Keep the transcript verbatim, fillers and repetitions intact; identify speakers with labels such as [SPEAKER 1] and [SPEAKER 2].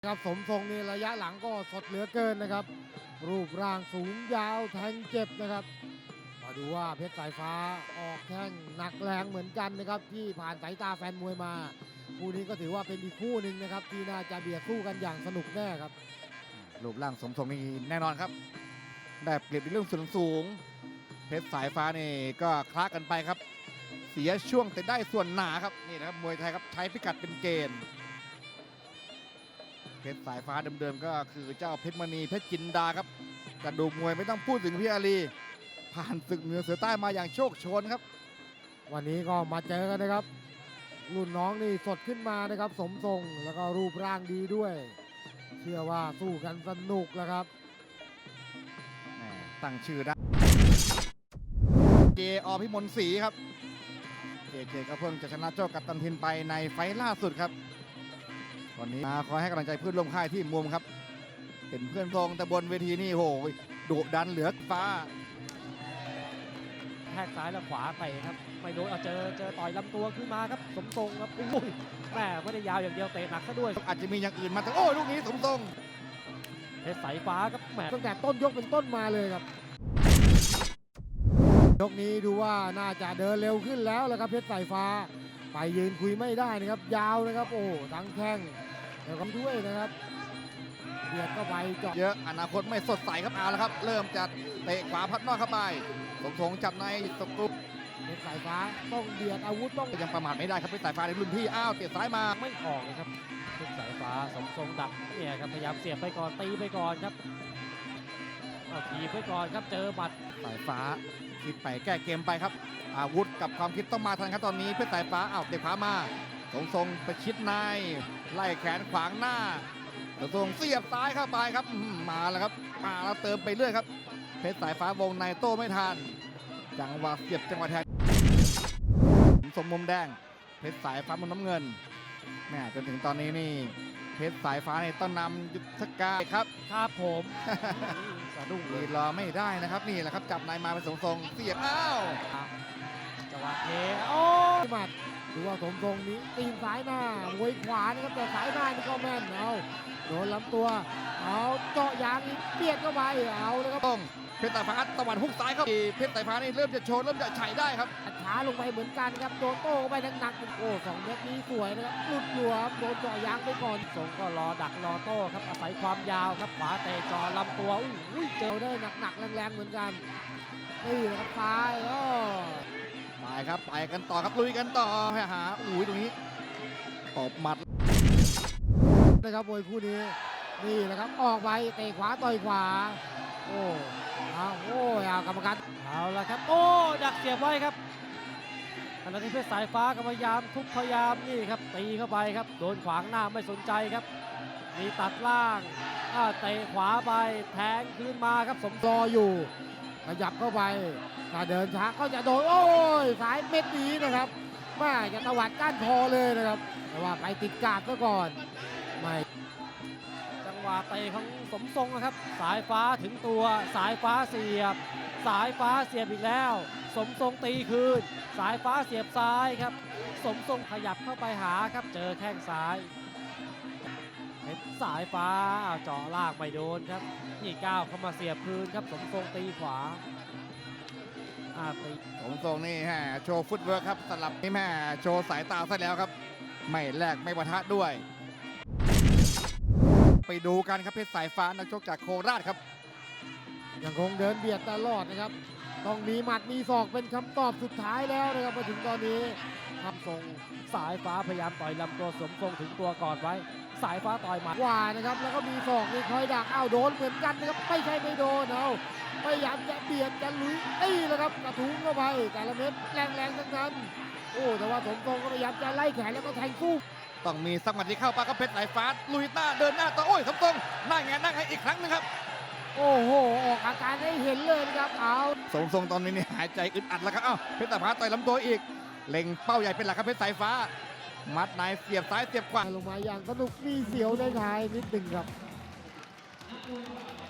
[SPEAKER 1] ครับสมทรงนี่ระยะหลังก็สดเหลือเกินนะครับรูปร่างสูงยาวแทงเจ็บนะครับมาดูว่าเพชรสายฟ้าออกแข้งหนักแรงเหมือนกันนะครับที่ผ่านสายตาแฟนมวยมาคู่นี้ก็ถือว่าเป็นอีกคู่หนึ่งนะครับที่น่าจะเบียดสู้กันอย่างสนุกแน่ครับ
[SPEAKER 2] รูปร่างสมทรงนี่แน่นอนครับได้เปรียบในเรื่องส่วนสูงเพชรสายฟ้านี่ก็คล้ากันไปครับเสียช่วงแต่ได้ส่วนหนาครับนี่นะครับมวยไทยครับใช้พิกัดเป็นเกณฑ์เพชรสายฟ้าเดิมๆก็คือเจ้าเพชรมณีเพชรจินดาครับกระดูกมวยไม่ต้องพูดถึงพี่อาลีผ่านศึกเหนือเสือใต้มาอย่างโชคโชนครับ
[SPEAKER 1] วันนี้ก็มาเจอกันนะครับรุ่นน้องนี่สดขึ้นมานะครับสมทรงแล้วก็รูปร่างดีด้วยเชื่อว่าสู้กันสนุกแล้วครับ
[SPEAKER 2] ตั้งชื่อได้เจอพิมลศรีครับเจเจก็เพิ่งจะชนะโจ้กัปตันทินไปในไฟล์ล่าสุดครับวันนี้มาคอยให้กำลังใจเพื่อนร่วมค่ายที่มุมครับเป็นเพื่อนทรงแต่บนเวทีนี่โหดุดันเหลือฟ้า
[SPEAKER 3] แทกซ้ายและขวาไปครับไม่โดนเอาเจอเจอต่อยลำตัวขึ้นมาครับสมทรงครับโอ้ยแม่ไม่ได้ยาวอย่างเดียวเตะหนักซะด้วย
[SPEAKER 2] อาจจะมีอย่างอื่นมาแต่โอ้ลูกนี้สมทรง
[SPEAKER 3] เพชรสายฟ้าครับแหม
[SPEAKER 1] ตั้งแต่ต้นยกเป็นต้นมาเลยครับยกนี้ดูว่าน่าจะเดินเร็วขึ้นแล้วละครับเพชรสายฟ้าไปยืนคุยไม่ได้นะครับยาวนะครับโอ้ทั้งแข้งแล้วก็ด้วยนะครับเบียดเข้าไปเจาะ
[SPEAKER 2] เยอะอนาคตไม่สดใสครับเอาละครับเริ่มจะเตะขวาพัดนอกเข้าไปสมทรงจับในตกลุก
[SPEAKER 1] เพชรสายฟ้าต้องเบียดอาวุธต้อง
[SPEAKER 2] ยังประมาทไม่ได้ครับเพชรสายฟ้าในรุ่นพี่อ้าวเตะซ้ายมา
[SPEAKER 3] ไม่ออกเลยครับเพชรสายฟ้าสมทรงดักเนี่ยครับพยายามเสียบไปก่อนตีไปก่อนครับเอาทีไปก่อนครับเจอหมัด
[SPEAKER 2] สายฟ้าคิดไปแก้เกมไปครับอาวุธกับความคิดต้องมาทันครับตอนนี้เพชรสายฟ้าอ้าวเตะขวามาสมทรงไปชิดในไล่แขนขวางหน้าสมทรงเสียบซ้ายเข้าไปครับมาแล้วครับมาแล้วเติมไปเรื่อยครับเพชรสายฟ้าวงในโต้ไม่ทันจังหวะเสียบจังหวะแทงสมมุมแดงเพชรสายฟ้ามุมน้ำเงินแม่จนถึงตอนนี้นี่เพชรสายฟ้าในต้นนำยุทธกาครับ
[SPEAKER 3] ครับผมสะดุ้ง
[SPEAKER 2] เลยรอไม่ได้นะครับนี่แหละครับจับนายมาเป็นสมทรงเสียบอ้าว
[SPEAKER 3] จังหวะเทโอ้
[SPEAKER 1] หมัดดูว่าสมทรงนี้ตีนซ้ายหน้ามวยขวานะครับแต่สายหน้านี่ก็แม่นเอาโดนลำตัวเอาเจาะยางอีกเปียดเข้าไปเอาเลยครับ
[SPEAKER 2] ต้องเพชรสายฟ้าตะวันฮุกซ้ายครับเพชรสายฟ้านี่เริ่มจะโชว์เริ่มจะไฉได้ครับ
[SPEAKER 1] ช้าลงไปเหมือนกันครับโดนโต้ไปหนักๆโอ้สองเม็ดนี้สวยนะครับหลุดหลวมโดนเจาะยางไปก่อน
[SPEAKER 3] ทรงก็รอดักรอโต้ครับอาศัยความยาวครับขวาเตะจอลำตัว
[SPEAKER 1] อุ้ยเจอได้หนักๆแรงๆเหมือนกันนี่นะครับซ้ายโอ้
[SPEAKER 2] ไปครับไปกันต่อครับลุยกันต่อไปหาอุ้ยตรงนี้ตบหมัด
[SPEAKER 1] นะครับมวยคู่นี้นี่แหละครับออกไปเตะขวาต่อยขวาโอ้เอาโอ้เอากรรมการ
[SPEAKER 3] เอาละครับโอ้ดักเสียบไว้ครับขณะที่เพชรสายฟ้าก็พยายามทุบพยายามนี่ครับตีเข้าไปครับโดนขวางหน้าไม่สนใจครับมีตัดล่างเตะขวาไปแทงคืนมาครับสม
[SPEAKER 1] รออยู่ขยับเข้าไปถ้าเดินช้าก็จะโดนโอ้ยสายเม็ดนี้นะครับแม่จะตวัดก้านคอเลยนะครับแต่ว่าไปติดกาดซะก่อนไม่
[SPEAKER 3] จังหวะเตะของสมทรงนะครับสายฟ้าถึงตัวสายฟ้าเสียบสายฟ้าเสียบอีกแล้วสมทรงตีคืนสายฟ้าเสียบซ้ายครับสมทรงขยับเข้าไปหาครับเจอแข้งซ้ายเพชรสายฟ้าเจาะลากไม่โดนครับนี่ก้าวเข้ามาเสียบคืนครับสมทรงตีขวา
[SPEAKER 2] ตีสมทรงนี่ฮะโชว์ฟุตเวิร์คครับสลับนี่แม่โชว์สายตาซะแล้วครับไม่แลกไม่ปะทะด้วยไปดูกันครับเพชรสายฟ้านักชกจากโคราชครับ
[SPEAKER 1] ยังคงเดินเบียดตลอดนะครับต้องมีหมัดมีศอกเป็นคำตอบสุดท้ายแล้วนะครับมาถึงตอนนี้
[SPEAKER 3] ทำทรงสายฟ้าพยายามต่อยลำตัวสมทรงถึงตัวก่อนไว้สายฟ้าต่อยหมัด
[SPEAKER 1] ว่านะครับแล้วก็มีศอกนี่คอยดักอ้าวโดนเหมือนกันนะครับไม่ใช่ไม่โดนเอาพยายามจะเบียดจะลุยตีแล้วครับกระทุ้งเข้าไปแต่ละเม็ดแรงๆทั้งนั้นโอ้แต่ว่าสมทรงก็พยายามจะไล่แขนแล้วก็แทงสู้
[SPEAKER 2] ต้องมีสักหมัดที่เข้าปากก็เพชรสายฟ้าลุยหน้าเดินหน้าต่อโอ้ยสมทรงหน้าแงนนั่งให้อีกครั้งนึงครับ
[SPEAKER 1] โอ้โหออกอาการให้เห็นเลยนะครับเอา
[SPEAKER 2] สมทรงตอนนี้นี่หายใจอึดอัดแล้วครับอ้าวเพชรสายฟ้าต่อยลำตัวอีกเล็งเป้าใหญ่เป็นหลักครับเพชรสายฟ้ามัดในเสียบซ้ายเสียบขวา
[SPEAKER 1] ลงมาอย่างสนุกมีเสียวในท้ายนิดหนึ่งครับ